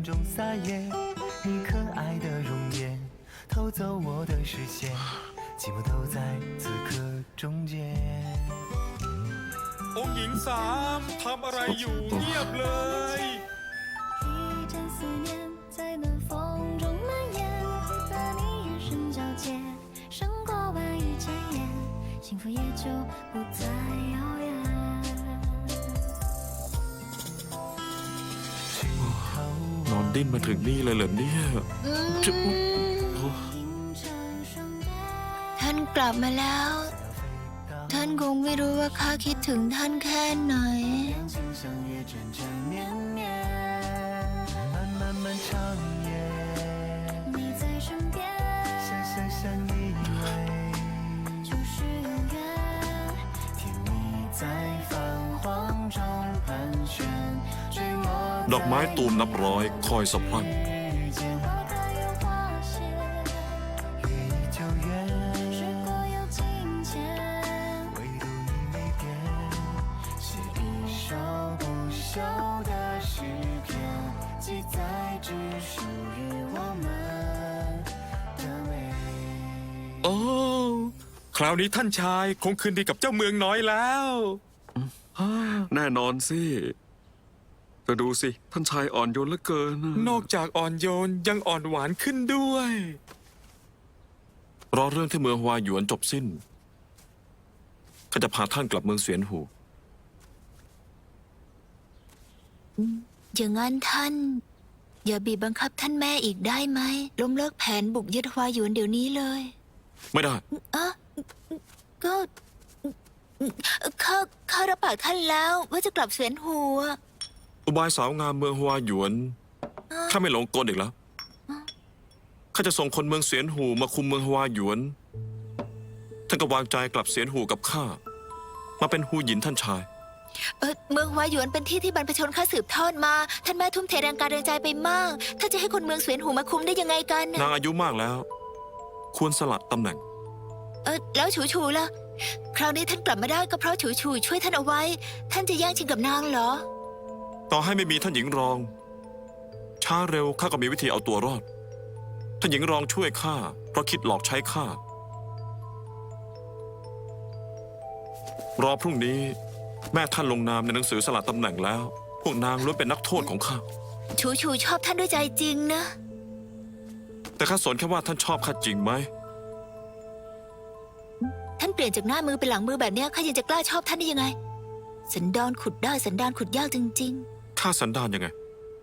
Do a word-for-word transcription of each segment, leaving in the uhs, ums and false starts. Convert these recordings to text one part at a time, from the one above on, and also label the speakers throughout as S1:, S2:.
S1: 中撒野，你可爱的容颜偷走我的视线，寂寞都在此刻终结。
S2: องค์หญิงสามทำอะไรอยู่เงียบเลย
S3: 一阵思念在暖风中蔓延，和你眼神交接，胜过万语千言，幸福也就不再遥远。
S2: นอนดิ้นมาถึงนี่เลยเหรอเนี่ยจะ
S3: ท่านกลับมาแล้ว ท่านคงไม่รู้ว่าข้าคิดถึงท่านแค่ไหน
S2: ดอกไม้ตูมนับร้อยคอยสะพรั่งโอ้คราวนี้ท่านชายคงคืนดีกับเจ้าเมืองน้อยแล้ว
S4: แน่นอนสิแต่ดูสิท่านชายอ่อนโยนเหลือเกิน
S2: นอกจากอ่อนโยนยังอ่อนหวานขึ้นด้วยรอเรื่องที่เมืองฮวาหยวนจบสิ้นข้าจะพาท่านกลับเมืองเสวียนหู
S3: อย่างนั้นท่านอย่าบีบบังคับท่านแม่อีกได้ไหมล้มเลิกแผนบุกยึดฮวาหยวนเดี๋ยวนี้เลย
S2: ไม่ได้
S3: อะก็ข้าข้ารับปากท่านแล้วว่าจะกลับเสวียนหู
S2: อุบายสาวงามเมืองฮวาหยวนข้าไม่หลงกลอีกแล้วข้าจะส่งคนเมืองเสวียนหูมาคุมเมืองฮวาหยวนท่านก็วางใจกลับเสวียนหูกับข้ามาเป็นฮูหยินท่านชาย
S3: เออเมืองฮวาหยวนเป็นที่ที่บรรพชนข้าสืบทอดมาท่านแม่ทุ่มเทแรงกายแรงใจไปมากถ้าจะให้คนเมืองเสวียนหูมาคุมได้ยังไงกัน
S2: นางอายุมากแล้ว ควรสลัดตำแหน่ง
S3: เออแล้วฉูฉูล่ะคราวนี้ท่านกลับมาได้ก็เพราะฉูฉูช่วยท่านเอาไว้ท่านจะแย่งชิงกับนางเหรอ
S2: ต่อให้ไม่มีท่านหญิงรองช้าเร็วข้าก็มีวิธีเอาตัวรอดท่านหญิงรองช่วยข้าเพราะคิดหลอกใช้ข้ารอพรุ่งนี้แม่ท่านลงนามในหนังสือสละตำแหน่งแล้วพวกนางล้วนเป็นนักโทษของข้า
S3: ฉูฉูชอบท่านด้วยใจจริงนะ
S2: แต่ข้าสนแค่ว่าท่านชอบข้าจริงไหม
S3: ท่านเปลี่ยนจากหน้ามือเป็นหลังมือแบบนี้ข้ายังจะกล้าชอบท่านได้ยังไงสันดานขุดได้สันดานขุดยากจริง
S2: ๆข้าสันดานยังไง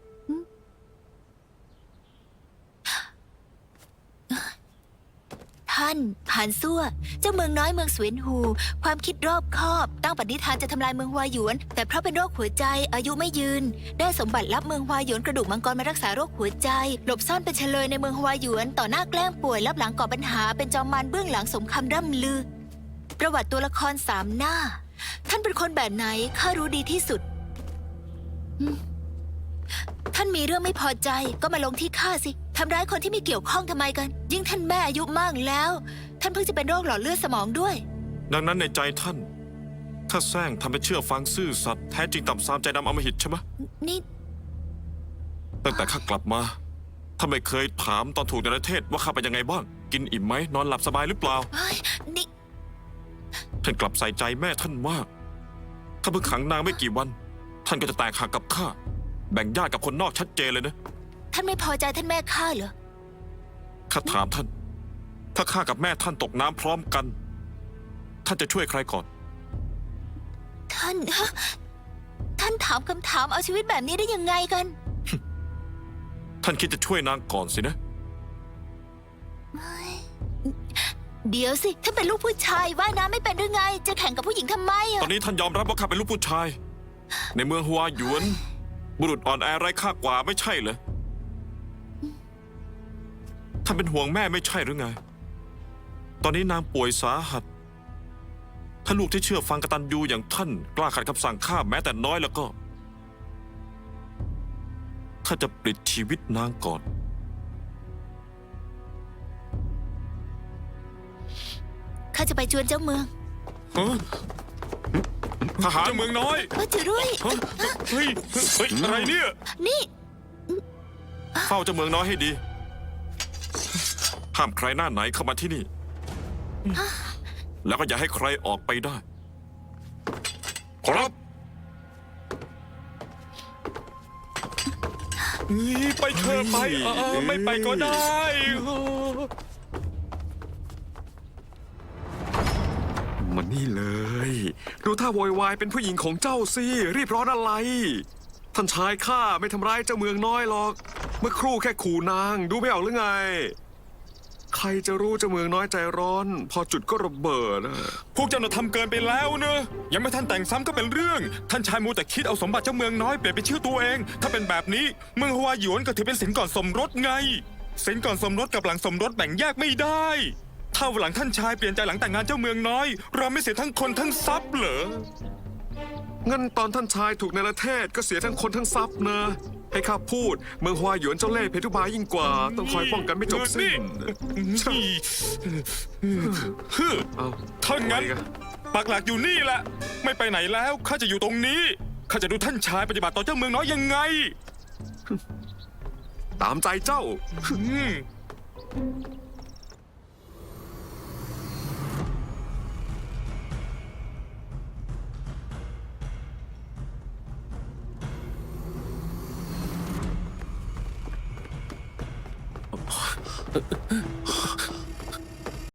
S3: ท่านผ่านซั่วเจ้าเมืองน้อยเมืองเสวียนหูความคิดรอบคอบตั้งปณิธานจะทำลายเมืองฮวาหยวนแต่เพราะเป็นโรคหัวใจอายุไม่ยืนได้สมบัติลับเมืองฮวาหยวนกระดูกมังกรมารักษาโรคหัวใจหลบซ่อนเป็นเฉลยในเมืองฮวาหยวนต่อหน้าแกล้งป่วยรับหลังก่อปัญหาเป็นจอมมารเบื้องหลังสมคำร่ำลือประวัติตัวละครสามหน้าท่านเป็นคนแบบไหนข้ารู้ดีที่สุดท่านมีเรื่องไม่พอใจก็มาลงที่ข้าสิทำร้ายคนที่ไม่เกี่ยวข้องทำไมกันยิ่งท่านแม่อายุมากแล้วท่านเพิ่งจะเป็นโรคหลอดเลือดสมองด้วย
S2: ดังนั้นในใจท่านข้าแซงทำเป็นเชื่อฟังซื่อสัตย์แท้จริงต่ำซามใจดำอำมหิตใช่ไหม
S3: นี่
S2: ตั้งแต่ข้ากลับมาท่านไม่เคยถามตอนถูกในประเทศว่าข้าเป็นยังไงบ้างกินอิ่มไหมนอนหลับสบายหรือเปล่า
S3: นี่
S2: ท่านกลับใส่ใจแม่ท่านมากถ้าเพิ่งขังนางไม่กี่วันท่านก็จะแตกหักกับข้าแบ่งญาติกับคนนอกชัดเจนเลยนะ
S3: ท่านไม่พอใจท่านแม่ข้าเหรอ
S2: ข้าถามท่านถ้าข้ากับแม่ท่านตกน้ำพร้อมกันท่านจะช่วยใครก่อน
S3: ท่านท่านถามคำถามเอาชีวิตแบบนี้ได้ยังไงกัน
S2: ท่านคิดจะช่วยนางก่อนสินะ
S3: เดี๋ยวสิท่านเป็นลูกผู้ชายว่ายน้ำไม่เป็นหรือไงจะแข่งกับผู้หญิงทำไม
S2: ตอนนี้ท่านยอมรับว่าข้าเป็นลูกผู้ชายในเมืองฮัวหยวนบุรุษอ่อนแอไร้ค่ากว่าไม่ใช่เหรอท่านเป็นห่วงแม่ไม่ใช่หรือไงตอนนี้นางป่วยสาหัสถ้าลูกที่เชื่อฟังกตัญญูอย่างท่านกล้าขัดคำสั่งข้าแม้แต่น้อยแล้วก็ข้าจะปลิดชีวิตนางก่อน
S3: ข้าจะไปจวนเจ้าเมือง
S2: ทหารเมืองน้อย
S3: ก็จะรุ่ย
S2: เฮ้ยเฮ้ยอะไรเนี่ย
S3: นี่
S2: ฝ้าเจ้าเมืองน้อยให้ดี ห้ามใครหน้าไหนเข้ามาที่นี่ แล้วก็อย่าให้ใครออกไปได้ ครับนี่ไปเธอะไปเออไม่ไปก็ได้
S4: มันนี่เลย ดูท่าโวยวายเป็นผู้หญิงของเจ้าสิ รีบร้อนอะไร ท่านชายข้าไม่ทำร้ายเจ้าเมืองน้อยหรอก เมื่อครู่แค่ขู่นาง ดูไม่ออกหรือไง ใครจะรู้เจ้าเมืองน้อยใจร้อน พอจุดก็ระเบิดนะ
S2: พวกเจ้าน่ะทำเกินไปแล้วเนอะยังไม่ทันแต่งซ้ำก็เป็นเรื่อง ท่านชายมูแต่คิดเอาสมบัติเจ้าเมืองน้อยเปลี่ยนเป็นชื่อตัวเอง ถ้าเป็นแบบนี้เมืองฮวาหยวนก็ถือเป็นสินก่อนสมรสไง สินก่อนสมรสกับหลังสมรสแบ่งแยกไม่ได้ ถ้าวันหลังท่านชายเปลี่ยนใจหลังแต่งงานเจ้าเมืองน้อย เราไม่เสียทั้งคนทั้งทรัพย์เหรอ
S4: งั้นตอนท่านชายถูกในประเทศก็เสียทั้งคนทั้งทรัพย์นะ ให้ข้าพูด เมืองฮวาหยวนเจ้าเล่ห์เพทุบายยิ่งกว่า ต้องคอยป้องกันไม่จบสิ้น
S2: นี่ฮึ่ม
S4: เอา
S2: ถ้างั้น
S4: ไปกั
S2: ปักหลักอยู่นี่แหละ ไม่ไปไหนแล้ว ข้าจะอยู่ตรงนี้ ข้าจะดูท่านชายปฏิบัติต่อเจ้าเมืองน้อยยังไง
S4: ตามใจเจ้า
S2: อืม
S5: เ